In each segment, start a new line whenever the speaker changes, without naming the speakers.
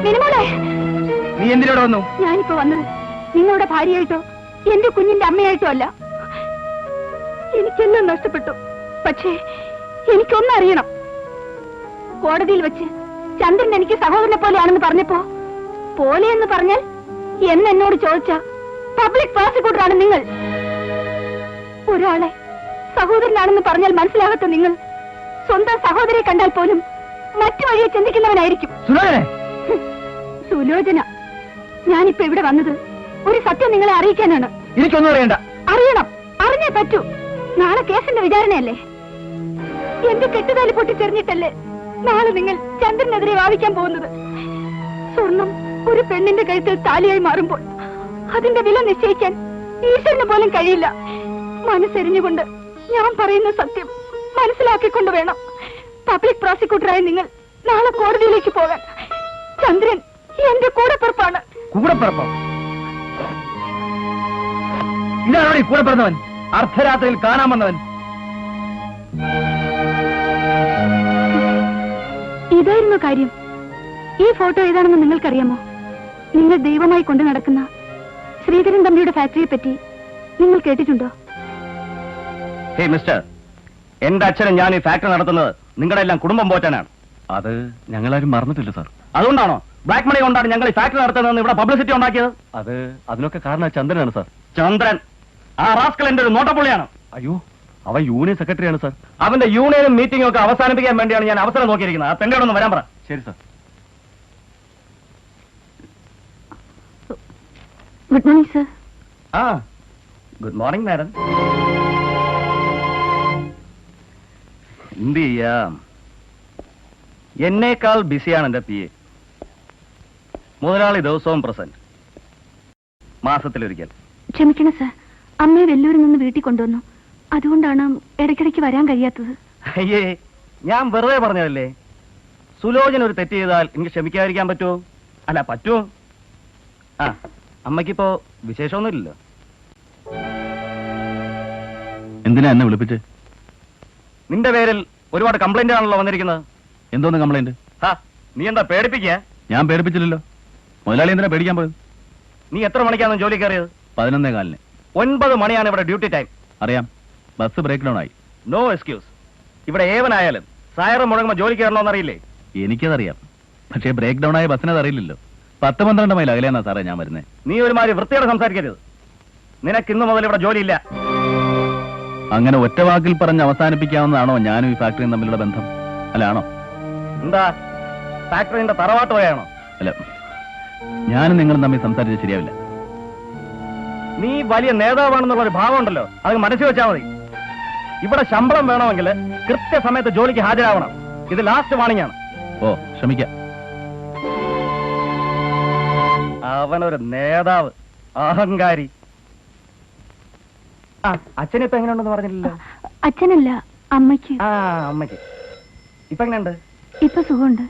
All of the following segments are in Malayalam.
നീ എന്തിനോട് വന്നു?
ഞാനിപ്പോ വന്നത് നിങ്ങളുടെ ഭാര്യയായിട്ടോ എന്റെ കുഞ്ഞിന്റെ അമ്മയായിട്ടോ അല്ല. എനിക്കെല്ലാം നഷ്ടപ്പെട്ടു. പക്ഷേ എനിക്കൊന്നും അറിയണം. കോടതിയിൽ വെച്ച് ചന്ദ്രൻ എനിക്ക് സഹോദരനെ പോലെയാണെന്ന് പറഞ്ഞപ്പോ, പോലെയെന്ന് പറഞ്ഞാൽ എന്നോട് ചോദിച്ച പബ്ലിക് പ്രോസിക്യൂട്ടറാണ് നിങ്ങൾ. ഒരാളെ സഹോദരനാണെന്ന് പറഞ്ഞാൽ മനസ്സിലാകാത്ത നിങ്ങൾ സ്വന്തം സഹോദരിയെ കണ്ടാൽ പോലും മറ്റു വഴിയെ ചിന്തിക്കുന്നവനായിരിക്കും. സുലോചന, ഞാനിപ്പോ ഇവിടെ വന്നത് ഒരു സത്യം നിങ്ങളെ അറിയിക്കാനാണ്.
എനിക്കൊന്നും അറിയണ്ട.
അറിയണം, അറിഞ്ഞേ പറ്റൂ. നാളെ കേസിന്റെ വിചാരണയല്ലേ? എന്റെ കെട്ടുതാലി പൊട്ടിച്ചെറിഞ്ഞിട്ടല്ലേ നാളെ നിങ്ങൾ ചന്ദ്രനെതിരെ വാദിക്കാൻ പോകുന്നത്? സ്വർണം ഒരു പെണ്ണിന്റെ കഴുത്തിൽ താലിയായി മാറുമ്പോൾ അതിന്റെ വില നിശ്ചയിക്കാൻ ഈശ്വരന് പോലും കഴിയില്ല. മനസ്സെരിഞ്ഞുകൊണ്ട് ഞാൻ പറയുന്ന സത്യം മനസ്സിലാക്കിക്കൊണ്ട് വേണം പബ്ലിക് പ്രോസിക്യൂട്ടറായി നിങ്ങൾ നാളെ കോടതിയിലേക്ക് പോകാൻ. ചന്ദ്രൻ എന്റെ കൂടെപ്പിറപ്പാണ്.
കൂടെപ്പിറപ്പോ? ഇതാണോ കൂടെ പിറന്നവൻ? അർദ്ധരാത്രിയിൽ കാണാൻ വന്നവൻ?
ഇതായിരുന്നു കാര്യം. ഈ ഫോട്ടോ ഏതാണെന്ന് നിങ്ങൾക്കറിയാമോ? നിങ്ങൾ ദൈവമായി കൊണ്ടു നടക്കുന്ന ശ്രീധരൻ തമ്പിയുടെ ഫാക്ടറിയെ പറ്റി നിങ്ങൾ കേട്ടിട്ടുണ്ടോ?
ഹേ മിസ്റ്റർ, എന്റെ അച്ഛനും ഞാൻ ഈ ഫാക്ടറി നടത്തുന്നത് നിങ്ങളുടെ എല്ലാം കുടുംബം പോറ്റാനാണ്. അത് ഞങ്ങളാരും മറന്നിട്ടില്ല സാർ. അതുകൊണ്ടാണോ ബ്ലാക്ക് മണി കൊണ്ടാണ് ഞങ്ങൾ ഈ ഫാക്ടറി നടത്തുന്നതെന്ന് ഇവിടെ പബ്ലിസിറ്റി ഉണ്ടാക്കിയത്? അതിനൊക്കെ കാരണം ചന്ദ്രനാണ് സാർ. ചന്ദ്രൻ ആ റാസ്കൽ എന്റെ ഒരു നോട്ടപ്പുള്ളിയാണ്. അയ്യോ, അവൻ യൂണിയൻ സെക്രട്ടറിയാണ് സാർ. അവന്റെ യൂണിയനും മീറ്റിംഗും ഒക്കെ അവസാനിപ്പിക്കാൻ വേണ്ടിയാണ് ഞാൻ അവസരം നോക്കിയിരിക്കുന്നത്. ആ പെണ്ണോട് ഒന്ന് വരാൻ പറ. ശരി സാർ.
Good morning sir.
ആ ഗുഡ് മോർണിംഗ് മാഡം. എന്ത് ചെയ്യാം, എന്നേക്കാൾ ബിസിയാണ് എന്റെ പി എ. മുതലാളി ദിവസവും പ്രസന്റ്, മാസത്തിലൊരിക്കൽ.
ക്ഷമിക്കണം സർ, അമ്മയെ വെല്ലൂരിൽ നിന്ന് വീട്ടിൽ കൊണ്ടുവന്നു. അതുകൊണ്ടാണ് ഇടയ്ക്കിടയ്ക്ക് വരാൻ കഴിയാത്തത്.
അയ്യേ, ഞാൻ വെറുതെ പറഞ്ഞതല്ലേ. സുലോചന ഒരു തെറ്റ് ചെയ്താൽ എനിക്ക് ക്ഷമിക്കാതിരിക്കാൻ പറ്റുമോ? അല്ല, പറ്റുമോ? ആ, അമ്മയ്ക്കിപ്പോ വിശേഷമൊന്നുമില്ലല്ലോ.
എന്തിനാ എന്നെ വിളിപ്പിച്ച്?
നിന്റെ പേരിൽ ഒരുപാട് കംപ്ലൈന്റ് ആണല്ലോ വന്നിരിക്കുന്നത്.
എന്തോന്ന് കംപ്ലൈന്റ്?
നീ എന്താ പേടിപ്പിക്കുക?
ഞാൻ പേടിപ്പിച്ചില്ലല്ലോ. മുതലാളി എന്തിനാ പേടിക്കാൻ പോയത്?
നീ എത്ര മണിക്കാണ് ജോലി കയറിയത്?
11:15.
9 മണിയാണ് ഇവിടെ ഡ്യൂട്ടി ടൈം.
അറിയാം, ബസ് ബ്രേക്ക് ഡൗൺ ആയി.
No excuse. ഇവിടെ ഏവനായാലും സയറ് മുടങ്ങുമ്പോ ജോലി കയറണമെന്നറിയില്ലേ?
എനിക്കതറിയാം, പക്ഷേ ബ്രേക്ക് ഡൗൺ ആയ ബസ്സിനത് അറിയില്ലല്ലോ. 10-12 മൈൽ അകലെയാ സാറേ ഞാൻ വരുന്നത്.
നീ ഒരുമാതിരി വൃത്തിയോടെ സംസാരിക്കരുത്. നിനക്ക് ഇന്നു മുതൽ ഇവിടെ ജോലിയില്ല.
അങ്ങനെ ഒറ്റ വാക്കിൽ പറഞ്ഞ് അവസാനിപ്പിക്കാവുന്നതാണോ ഞാനും ഈ ഫാക്ടറിയും തമ്മിലുള്ള ബന്ധം? അല്ല, ആണോ?
എന്താ ഫാക്ടറിന്റെ തറവാട്ട് പോയാണോ?
അല്ല, ഞാനും നിങ്ങളും തമ്മിൽ സംസാരിച്ച് ശരിയാവില്ല.
നീ വലിയ നേതാവാണെന്നുള്ള ഒരു ഭാവം ഉണ്ടല്ലോ, അത് മനസ്സിൽ വെച്ചാൽ മതി. ഇവിടെ ശമ്പളം വേണമെങ്കിൽ കൃത്യസമയത്ത് ജോലിക്ക് ഹാജരാവണം. ഇത് ലാസ്റ്റ് വാണിംഗ് ആണ്.
ഓ, ശ്രമിക്കാം.
അവനൊരു നേതാവ്, അഹങ്കാരി. ആ, അച്ഛനിപ്പോ എങ്ങനെയുണ്ടെന്ന് പറഞ്ഞില്ലല്ലോ.
അച്ഛനല്ല, അമ്മയ്ക്ക്.
ആ, അമ്മയ്ക്ക് ഇപ്പൊ എങ്ങനെയുണ്ട്?
ഇപ്പൊ സുഖമുണ്ട്.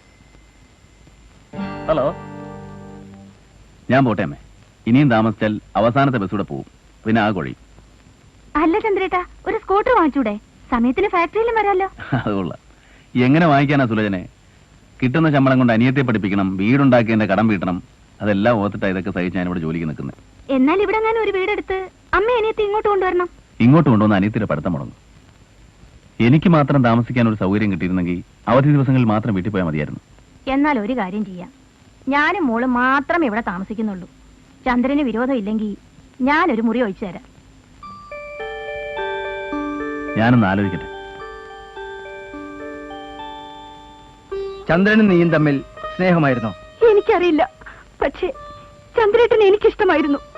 ഹലോ,
ഞാൻ പോട്ടെ അമ്മേ. ഇനിയും താമസിച്ചാൽ അവസാനത്തെ ബസ് കൂടെ പോവും, പിന്നെ ആ കൊഴി.
അല്ല ചന്ദ്രേട്ടാ, ഒരു സ്കൂട്ടർ വാങ്ങിച്ചൂടെ? സമയത്തിന് ഫാക്ടറിയിലും വരാമല്ലോ.
അതുകൊള്ള. എങ്ങനെ വാങ്ങിക്കാനാ സുലോചനെ? കിട്ടുന്ന ശമ്പളം കൊണ്ട് അനിയത്തെ പഠിപ്പിക്കണം, വീടുണ്ടാക്കിയതിന്റെ കടം വീട്ടണം. അതെല്ലാം ഓർത്തിട്ടാ ഇതൊക്കെ സഹിച്ച് ഞാനിവിടെ ജോലിക്ക് നിൽക്കുന്നത്.
എന്നാൽ ഇവിടെ ഞാൻ ഒരു വീടെടുത്ത് അമ്മ അനിയത്തെ ഇങ്ങോട്ട് കൊണ്ടുവരണം.
ഇങ്ങോട്ട് കൊണ്ടുവന്ന് അനിയത്തിന്റെ പഠിത്തം മുടങ്ങും. എനിക്ക് മാത്രം താമസിക്കാൻ ഒരു സൗകര്യം കിട്ടിയിരുന്നെങ്കിൽ അവധി ദിവസങ്ങളിൽ മാത്രം വീട്ടിൽ പോയാൽ മതിയായിരുന്നു.
എന്നാൽ ഒരു കാര്യം ചെയ്യാം, ഞാനും മോളും മാത്രം ഇവിടെ താമസിക്കുന്നുള്ളൂ. ചന്ദ്രന് വിരോധം ഇല്ലെങ്കിൽ ഞാനൊരു മുറി ഒഴിച്ചു തരാം.
ഞാനൊന്ന് ആലോചിക്കട്ടെ.
ചന്ദ്രനും നീയും തമ്മിൽ സ്നേഹമായിരുന്നോ?
എനിക്കറിയില്ല, പക്ഷേ ചന്ദ്രേട്ടനെ എനിക്കിഷ്ടമായിരുന്നു.